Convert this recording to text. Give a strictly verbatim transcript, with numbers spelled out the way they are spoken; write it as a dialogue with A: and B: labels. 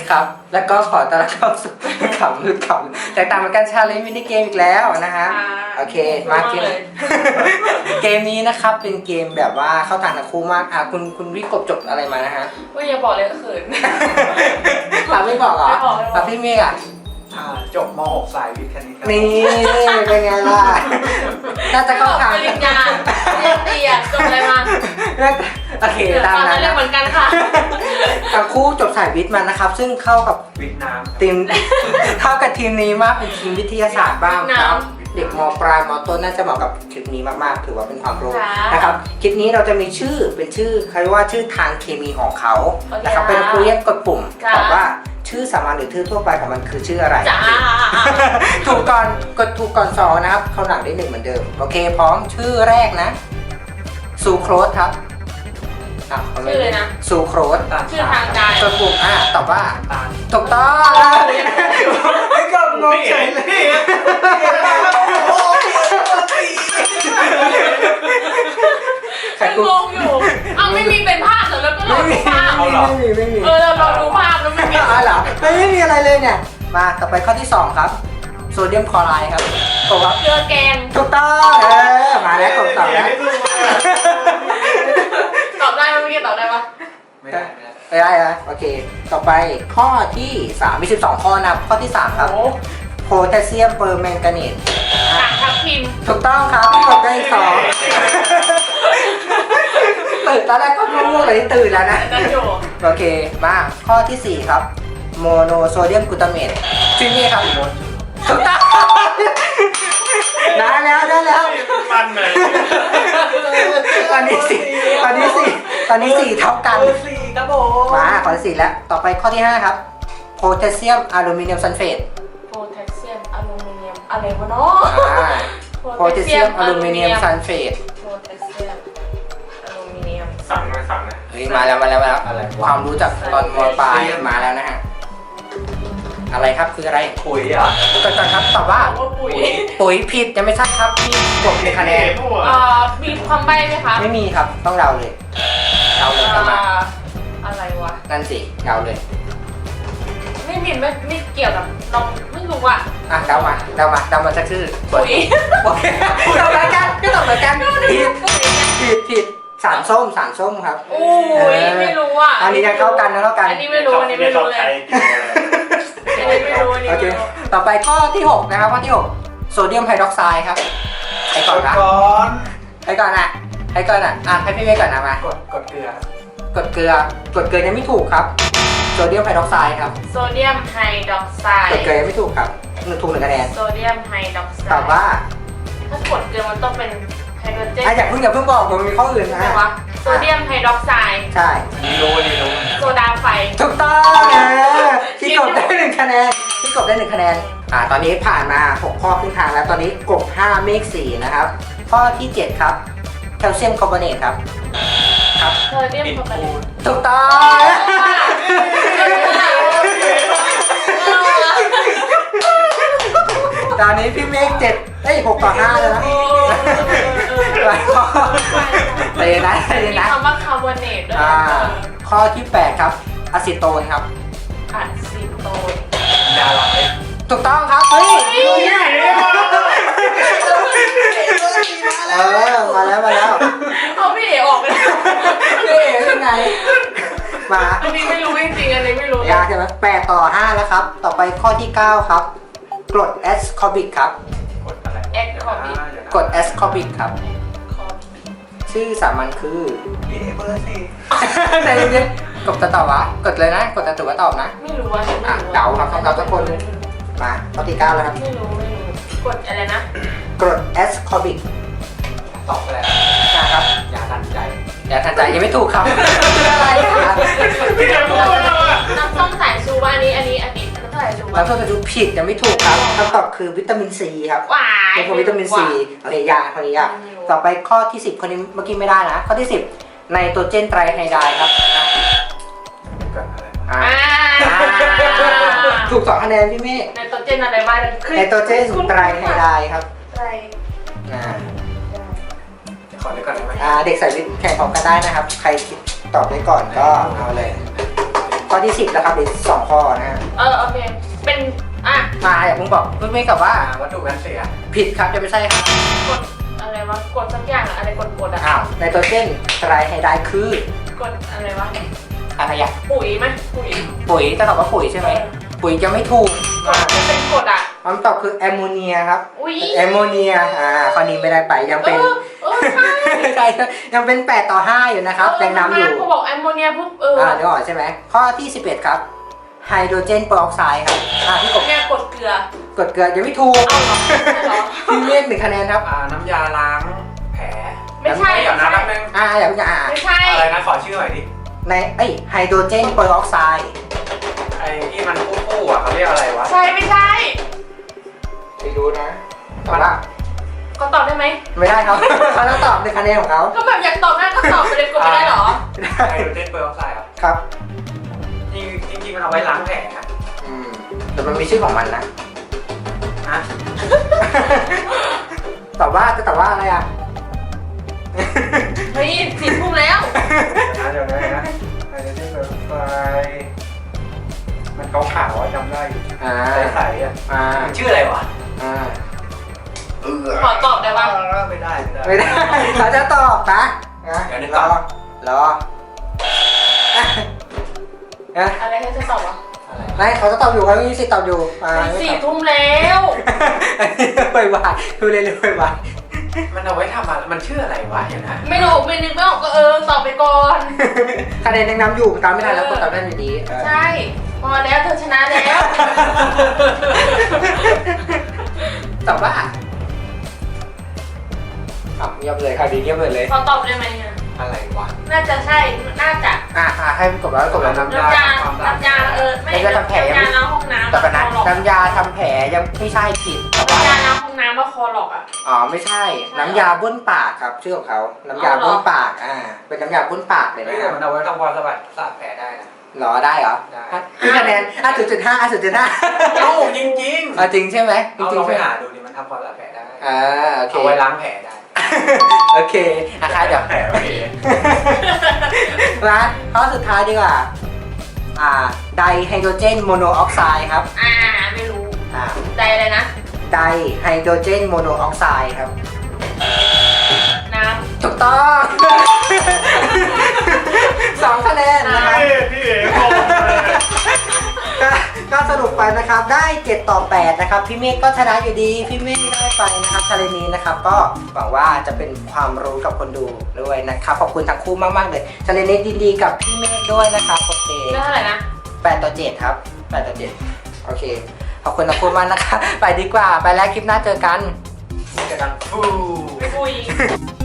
A: ครับ แล้วก็ขอต้อนรับเข้าสู่ขำหรือขำแต่ตามเหมือนกันชาเลนจ์มินิเกมอีกแล้วนะฮะโอเคมาเกมเกมนี้นะครับเป็นเกมแบบว่าเข้าทางทั้งคู่มากอ่ะคุณคุณวิกบจบอะไรมานะฮะ
B: ว่าอย่าบอกเลยเขิน
A: อ่ะไม่บอกเหรอ
B: ไม่บอกไม่บอก
A: อ่ะพี่เมฆอ่ะ
C: จบม .หก สายวิทย์คณิตครับ
A: นี่เป็นไงล่ะน่าจะเข้าทาง
B: ปริญญาเรียนดีอ่ะจบอะไรมา
A: น่าจะโอเคตาม
B: ตอน
A: นั้
B: นั้น นเรียกเหมือนกันค่ะ
A: ทั้งคู่จบสายวิทย์มานะครับ ซึ่งเข้ากับ
C: วิทย์น้ำ
A: ทีม เข้ากับทีมนี้มากเป็นทีมวิทยาศาสตร์บ้างครับ เด็กมปลายมต้นน่าจะเหมาะกับคลิปนี้มากๆถือว่าเป็นความรู้
B: ค่ะ
A: นะครับคลิปนี้เราจะมีชื่อเป็นชื่อเขาเรียกว่าชื่อทางเคมีของเขา
B: โอเค
A: นะครับเป็นครูเรียกกดปุ่ม
B: ค่ะ
A: ตอบว่าชื่อสามัญหรือชื่อทั่วไปของมันคือชื่ออะไร
B: จ้า
A: ถูกก่อนกดถูกก่อนสองนะครับเข้าหลังได้หนึ่งเหมือนเดิมโอเคพร้อมชื่อแรกนะซูโครสครับอ่ะา
B: ชื่อเลยนะ
A: ซูโครส
C: ตาล
B: ชื่อทางการ
A: กดปุ่มอ่ะตอบว่า
C: ตาล
A: ถูกต้องไม่กดงงเฉยเลย ใคร
B: ฉัน
A: กู
B: งงอยู่อ้าวไม่มีเป็นภาพเหรอแล้วก็เรา
A: ไม่
B: ดู
A: มี
B: ภาพ
A: ไม่มีไม่มี
B: เออเราเราดูภาพแล้วไม่มี
A: อ๋อเหรอไม่ไม่มีอะไรเลยเนี่ยมาต่อไปข้อที่สองครับโซเดียมคลอไรด์ครับตอบว่า
B: เกลือแกง
A: ถูกต้องเออมาแล้วกดตอบแล้ว
B: ตอบได้ไหมเมื่อกี้ตอบได้ปะ
C: ไม่ได้ไม่ได้
A: ได้ได้โอเค ต่อไปข้อที่สามมีสิบสองข้อนะครับข้อที่สามครับ
B: โอ้
A: โพแทสเซียมเปอร์แมงกานีส
B: กากทับทิม
A: ถูกต้องครับตอบได้อีกสองตื่นตอนแรกก็ง่วงๆเลยตื่นแล้วนะ
B: นั่นอยู่
A: โอเคมาข้อที่สี่ครับโมโนโซเดียมกลูตาเมตชื่อนี้ครับถูกต้องได้แล้วได้แล้ว
C: มันเลย
A: ตอนนี้สี่ตอนนี้สี่ตอนนี้สี่เท่ากัน
C: สี่ครับผม
A: มาข้อที่สี่แล้วต่อไปข้อที่ห้าครับโพแทสเซียมอลูมิเนียมซัลเฟต
B: โพแทสเซียมอลูมิเนียมอะไรวะเนาะ
A: โพแทสเซียมอลูมิเนียมซัลเฟต
B: โพแทสเซียมอลูมิเนียม
C: สั่งเลยสั่งเลย
A: เฮ้ยมาแล้วมาแล้วมาแล้ว
C: อะไร
A: ความรู้จากตอนมปลายมาแล้วนะฮะอะไรครับคืออะไร
C: ปุ๋ยเหรอ่ะ
A: ก่อนครับตอบว่า
B: บอกว่าปุ๋ย
A: ปุ๋ยผิดยังไม่ใช่ครับพี่กดหนึ่งคะแนน
B: เอ่อมีความใบ้ไหมคะ
A: ไม่มีครับต้องเดาเลยเดาเลยเข้ามา
B: อ่าอะไรวะ
A: นั่นสิเดาเลย
B: ไม่มีไม่ไม่เกี่ยวกับเราไม่รู้อ่ะ
A: อ่ะเดามาเดามาเดามาสักชื่อ
B: ปุ๋ย
A: โอเคตอบเหมือนกันก็ตอบเหมือนกันผิด
B: ปุ๋ยไง
A: ผิดผิดสารส้มสารส้มครับ
B: โอ้ยไม่รู้อ่ะ
A: อันนี้ยังเข้ากันนะเข้ากัน
B: อันนี้ไม่รู้อันนี้ไม่รู้เลยอันนี้ไม่รู้อันนี้
A: โอ
B: ไม่
A: เค
B: รู้
A: ต่อไปข้อที่หกนะครับข้อที่หกโซเดียมไฮดรอกไซด์ครับใครก่อนนะ
C: ก่อน
A: ใครก่อนอ่ะใครก่อนอ่ะอ่ะให้พี่เมย์ก่อนนะมาก
C: ดกดเกลือก
A: ดเกลือกดเกลือยังไม่ถูกครับโซเดียมไฮดรอกไซด์ครับ
B: โซเดียมไฮดรอกไซ
A: กด
B: ด์
A: เกลือยังไม่ถูกครับหนึ่งถูกหนึ่งคะแนน
B: โซเดียมไฮดรอกไซด์
A: ตอบว่า
B: ถ้ากดเกลือมันต้องเป็นไฮโดรเจน
A: อ่ะอย่าเพิ่งอย่าเพิ่งบอกผมมีข้ออื่น
B: ใช่
A: นะ
B: ไหมวะโซเดียมไฮดรอกไซด์
A: ใช่
C: นี่รู้นี่รู้
B: โซดาไฟ
A: ถูกต้องเออพี่กบได้หนึ่งคะแนนพี่กบได้หนึ่งคะแนนอ่าตอนนี้ผ่านมาหกข้อครึ่งทางแล้วตอนนี้กบห้าเมฆสี่นะครับข้อที่เจ็ดครับแคลเซียมคาร์บอเนตครับครับ
B: โซเดียมคาร์บอเนต
A: ถูกต้อง ตอนนี้พี่เมฆเจ็ดเอ้ยหกต่อห้าแล้วนะหลายข้อเลยนะเลย
B: มี
A: นะ
B: คำว่าคาร์บอเนตด้วย
A: อ่าข้อที่แปดครับอะซิโตนครับ
B: อะซิโตน
C: ดาราเลย
A: ถูกต้องครับเฮ้ยเออมาแล้วมาแล้ว
B: เอาพี่เอ๋ออกเลย
A: พี่เอ๋ยังไงมา
B: อันนี้ไม่รู้จริงๆอันนี้ไม่รู้
A: ยากใช่ไหมแปดต่อห้าแล้วครับ ต่อไปข้อที่เก้าครับกรดแอสคอบิกครับ
C: กดอะไร
B: แอคคอร์บิ
A: กรดแอสคอบิกครับ
B: คอร์บิ
A: ชื่อสามัญคือ
C: นี่เบอร์สี่
A: ในนี้กดจะตอบวะกดเลยนะ กดจะถือว่าตอบนะ
B: ไม่รู้ว่า
A: อ่ะเดาครับเดาสักคนหนึ่ง มาข้อที่เก้าแล้วครับ
B: ไม่รู้ไม่รู้กดอะไรนะ
A: กรดแอสคอบิก
C: ตอบไปแล้ว
A: นะครับ
C: ยาทันใจ
A: อย่าทันใจยังไม่ถูกครับคืออะไรครับ
B: น้ำส้มสายชูว่าอันนี้อันนี้อันนี้น้ำส้มสายชู
A: แล้วก็จะดูผิดยังไม่ถูกครับคำตอบคือวิตามินซีครับ
B: หวาน
A: เป็นพวกวิตามินซีโอเคยากข้อนี้ยากต่อไปข้อที่สิบข้อนี้เมื่อกี้ไม่ได้นะ ข้อที่สิบไนโตรเจนไตรไฮไดร์ครับ
C: กดอะไร
A: อ่า
B: อ่า
A: ถูกสองคะแนนพี่เมฆ
B: ไนโตรเจนอะไรบ้าง
A: ไนโตรเจนไตรไฮไดร์ครับ
B: ไตร
A: อ่า
C: ขอได้ก่อนได้ไหม
A: อ่าเด็กสายวิทย์แข่งพร้อมกันได้นะครับ ใครคิดตอบได้ก่อนก็เอาเลย ตข้อที่สิบแล้วครับอีกสองข้อนะฮะ
B: เออโอเคเป็นอ่ะ
A: มาอย่าเพิ่งบอกเพิ่งไม่กับว่า
C: อ่าวัตถุกันเสีย
A: ผิดครับจะไม่ใช่ครับ
B: กดอะไรวะกดสักอย่างอะอะไรกดกดอะ
A: อ้าวไนโตรเจนไตรไฮไดร์คือก
B: ดอะไรวะ
A: อะไรอ่ะ
B: ปุ๋ยไหมปุ๋ย
A: ปุ๋ยจะตอบว่าปุ๋ยใช่ไหมปุ๋ยจะไม่ถูก
B: กดมันเป็นกดอะ
A: คำตอบคือแอมโมเนียครับ
B: อุ้ย
A: แอมโมเนียอ่าข้อนี้ไม่ได้ไปยัง
B: เอ
A: เป็น
B: อเออใช่
A: ใช่ยังเป็นแปดต่อห้าอยู่นะครับยังนำอยู่
B: เขาบอกแอมโมเนียปุ๊บเออ
A: อ่าเดี๋ยวก่อนใช่ไหมข้อที่สิบเอ็ดครับไฮโดรเจนเปอร์ออกไซด์ครับอ่าพี่กบ
B: แม่กดเกลือก
A: ดเกลือยังไม่ถูก
B: เอาเหรอใช่เหรอ
A: พี่เมฆหนึ่งคะแนนครับ
C: อ่าน้ำยาล้างแผล
B: ไม่ใช่
C: เดี๋ยวนะแป๊บนึง
A: อ่าอย่าเพิ่งอ่า
B: ไม่ใช่
C: อะไรนะขอชื่อหน่อยดิ
A: ในเอ้ยไฮโดรเจนเปอร์ออกไซด์
C: ไอ้ที่มันคู่ๆอ่ะเขาเรียกอะไรวะ
B: ใช่ไม่ใช่
A: ไปดูนะแต่ว่า
B: ก็ตอบได้ไหม
A: ไม่ได้ครับ เขาต้องตอบในคะแนนของเขา
B: ก็แบบอยากตอบได้ก็ตอบไปเลยกดไม่ได้เหรอ
A: ไม่ได้
C: ไฮโดรเจนเปอร์ออกไซด์อ่ะ
A: ครับ
C: จริงจริงๆมันเอาไว้ล้างแผลนะ
A: อืมแต่มันมีชื่อของมันนะ
C: ฮะ
A: ตอบว่าจะตอบว่าอะไรอ่ะ
B: เฮ้ยสี่ทุ่มแล้ว
C: เดี๋ยวนะเดี๋ยวนะไฮโดรเจนเปอร์ออกไซด์มันขาวๆอ่ะจำได้อยู่
A: อ่า
C: ใสๆอ่ะ
A: อ่า
C: มันชื่ออะไรวะ
A: อ่า
C: เออ
B: ขอตอบได้ปะ
C: ไม่ได้ไม่ได้
A: ไม่ได้เขาจะตอบนะนะ
C: เดี๋ยวนึก
A: ร
C: ก่
A: อ
C: อน
A: รอนะ
B: อะไรให้เธอตอบวะ
C: อะไร
A: ไม่เขาจะตอบอยู่เขามีสิทธิ์ตอบอยู่อ่า
B: เฮ้ย
A: ไม่
B: สี่
A: ตอบ
B: ทุ่มแล้ว
A: อันนี้ไปวายดูเลยเลยไปวาย
C: มันเอาไว้ทำอะไรมันชื่ออะไรวะเดี๋ยวนะ
B: ไม่รู้ไม่นึกไม่ออกก็เออตอบไปก่อน
A: คะแนนยังนำอยู่ตามไม่ทันแล้วก็ตอบได้อยู่ดีเออ
B: ใช่พอแล้วเธอชนะแล้ว
A: ตอบว่าอ่ะเงียบเลยค่ะดีเงียบเลยเลย
B: ขอตอบได้ไหมอะ
C: อะไรวะ
B: น่าจะใช่น่าจะ
A: อ่ะอ่ะให้กดแล้วกดแล้ว
C: น้ำ
B: น้ำยาน้ำยาเออไม่
A: น้ำยาทำแผลยังไม่
B: น้ำยาล้างห้องน้ำ
A: แต่ก่อนนะ
B: คอหลอก
A: น้ำยาทำแผลยังไม่ใช่ผิดแต่ว่า
B: น้ำยาล้างห้องน้ำว่าคอหลอกอ่ะ
A: อ๋อไม่ใช่ น้ำยาบ้วนปากครับชื่อของเขาน้ำยา
B: อ๋อเหรอ
A: บ้วนปากอ่าเป็นน้ำยาบ้วนปากเลย
C: เฮ้
A: นะ
C: ย
A: ครับ
C: มันเอาไว้ทำความสะบัดสะอาดแผลได้นะ
A: หรอได้เหรอ
C: ได้
A: อ่ะพี่คะแนนอ่ะจุดจุดห้าอ่ะจุดจุดห้า
C: เอ้าจริงจริง
A: อ่ะจริงใช่ไหมจ
C: เอา
A: ริง
C: ลอง
A: ๆ
C: ไป
A: ใช่ไหม
C: หาดูดิมันทำความสะอาดแผลได้
A: อ่าโอเค
C: เอาไว้ล้างแผลได้
A: โอเคอ่ะค่ะเดี๋ยว
C: แผลโอเค
A: มาข้อสุดท้ายดีกว่าอ่าไดไฮโดรเจนโมโนออกไซด์ครับ
B: อ่าไม่รู้
A: อ่า
B: ใจอะไรนะ
A: ไดไฮโดรเจนโมโนออกไซด์ครับ
B: น้
A: ถูกต้อง สองคะแนนนะครับ
C: พี่เอ๋งงเลย
A: ก็ก็สรุปไปนะครับได้เจ็ดต่อแปดนะครับพี่เมฆก็ชนะอยู่ดีพี่เมฆได้ไปนะครับชาเลนนี้นะครับก็หวังว่าจะเป็นความรู้กับคนดูด้วยนะครับขอบคุณทั้งคู่มากๆเลยชาเลนนี้ดีๆกับพี่เมฆด้วยนะครับโอเค
B: ำเรื่องอะไรนะ
A: แปดต่อเจ็ดครับแปดต่อเจ็ดโอเคขอบคุณทั้งคู่มากนะครับไปดีกว่าไปแล้วคลิปหน้าเจอกัน
C: จะดังฟู
B: ไม่คุย